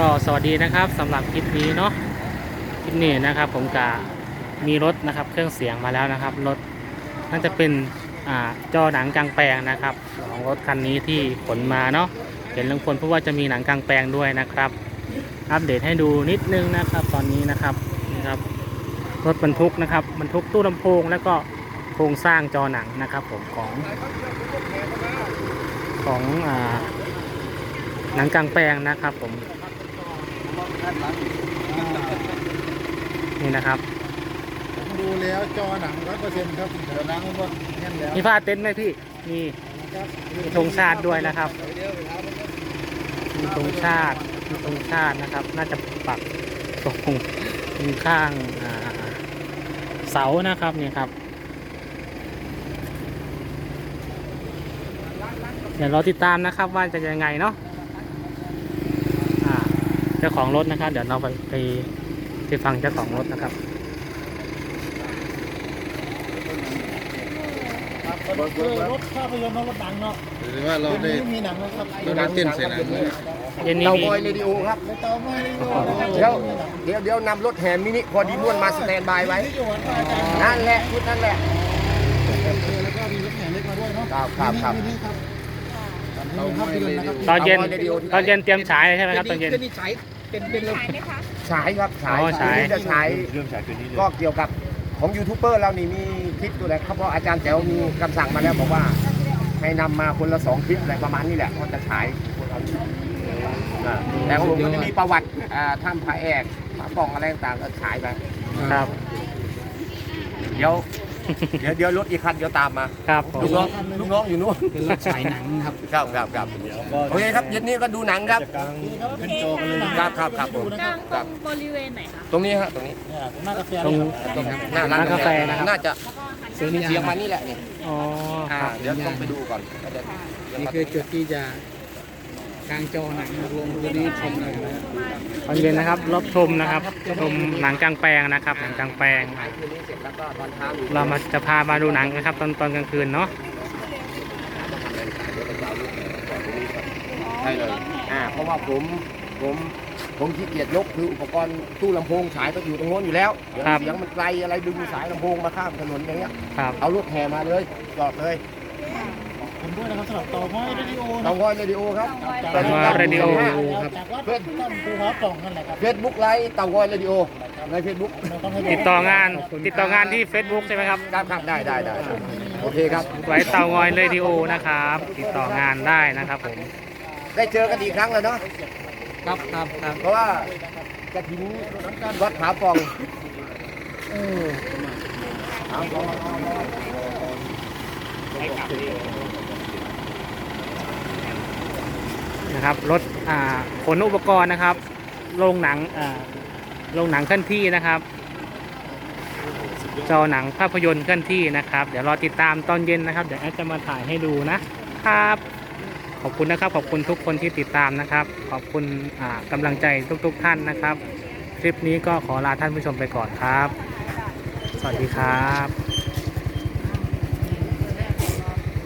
ก็สวัสดีนะครับสำหรับคลิปนี้เนาะคลิปนี้นะครับผมกะมีรถนะครับเครื่องเสียงมาแล้วนะครับรถน่าจะเป็นจอหนังกลางแปลงนะครับของรถคันนี้ที่ขนมาเนาะเห็นลุงพลเพราะว่าจะมีหนังกลางแปลงด้วยนะครับอัปเดตให้ดูนิดนึงนะครับตอนนี้นะครับรถบรรทุกนะครับบรรทุกตู้ลำโพงแล้วก็โครงสร้างจอหนังนะครับผมของหนังกลางแปลงนะครับผมนี่นะครับดูแล้วจอหนัง100%ครับเดี๋ยวล้างมันก็แน่นแล้วมีผ้าเต็นท์ไหมพี่มีธงชาติด้วยนะครับมีธงชาตินะครับน่าจะปักตรงข้างเสานะครับนี่ครับเดี๋ยวเราติดตามนะครับว่าจะยังไงเนาะเจ้าของรถนะครับเดี๋ยวเราไปฟังเจ้าของรถนะครับรถภาพยนตร์รถหนังเนาะหรือว่าเราได้มีหนังนะครับเราได้เต้นใส่หนังเตาบอยเรดิโอครับเตาไม่ได้เดี๋ยวนำรถแห่มินิพอดีม่วนมาสแตนบายไว้นั่นแหละพูดนั่นแหละแล้วก็มีรถแห่เล็กมาด้วยเนาะครับตอนเย็นเตรียมฉายใช่ไหมครับตอนเย็นฉายฉายครับฉายจะฉายก็เกี่ยวกับของยูทูบเบอร์เรานี่มีคลิปตัวไหนครับเพราะอาจารย์แจ๋วมีคำสั่งมาแล้วบอกว่าให้นำมาคนละ2 คลิปอะไรประมาณนี้แหละก็จะฉายแต่ของผมก็จะมีประวัติถ้ำพระแอกพระป่องอะไรต่างๆก็ฉายไปครับเดี๋ยวรถอีกคันเดี๋ยวตามมาครับลูกน้องอยู่นู้นเป็นรถฉายหนังครับครับโอเคครับเย็นนี้ก็ดูหนังครับเป็นจอกันเลยครับผมกลางบริเวณไหนคะตรงนี้ฮะตรงนี้หน้ากาแฟหน้าร้านกาแฟนะครับน่าจะเสียงมานี่แหละนี่อ๋อเดี๋ยวต้องไปดูก่อนนี่คือจุดที่จะกลางจอหนังลงตัวนี้ชมเลยตอนเย็นนะครับรับชมนะครับชมหนังกลางแปลงนะครับหนังกลางแปลงเราจะพามาดูหนังนะครับตอนกลางคืนเนาะใช่เลยเพราะว่าผมขี้เกียจยกคืออุปกรณ์ตู้ลำโพงฉายก็อยู่ตรงโน้นอยู่แล้วเสียงมันไกลอะไรดึงสายลำโพงมาข้ามถนนอย่างเงี้ยเอารถแห่มาเลยจอดเลยผมด้วยนะครับสำหรับเตาง้อยเรดิโอเตาง้อยเรดิโอครับเตาง้อยเรดิโอครับเฟซบุ๊กภูผาป่องนั่นแหละครับเฟซบุ๊กไลฟ์เตาง้อยเรดิโอในเฟซบุ๊กติดต่องานที่ Facebook ใช่ไหมครับครับได้โอเคครับไว้เตางอยเรดิโอนะครับติดต่องานได้นะครับผมได้เจอกันอีกครั้งแล้วเนาะครับเพราะว่าจะถึงวัดผาป่องนะครับรถขนอุปกรณ์นะครับโรงหนังเคลื่อนที่นะครับจอหนังภาพยนตร์เคลื่อนที่นะครับเดี๋ยวรอติดตามตอนเย็นนะครับเดี๋ยวแอดจะมาถ่ายให้ดูนะครับขอบคุณนะครับขอบคุณทุกคนที่ติดตามนะครับขอบคุณกำลังใจทุกท่านนะครับคลิปนี้ก็ขอลาท่านผู้ชมไปก่อนครับสวัสดีครับ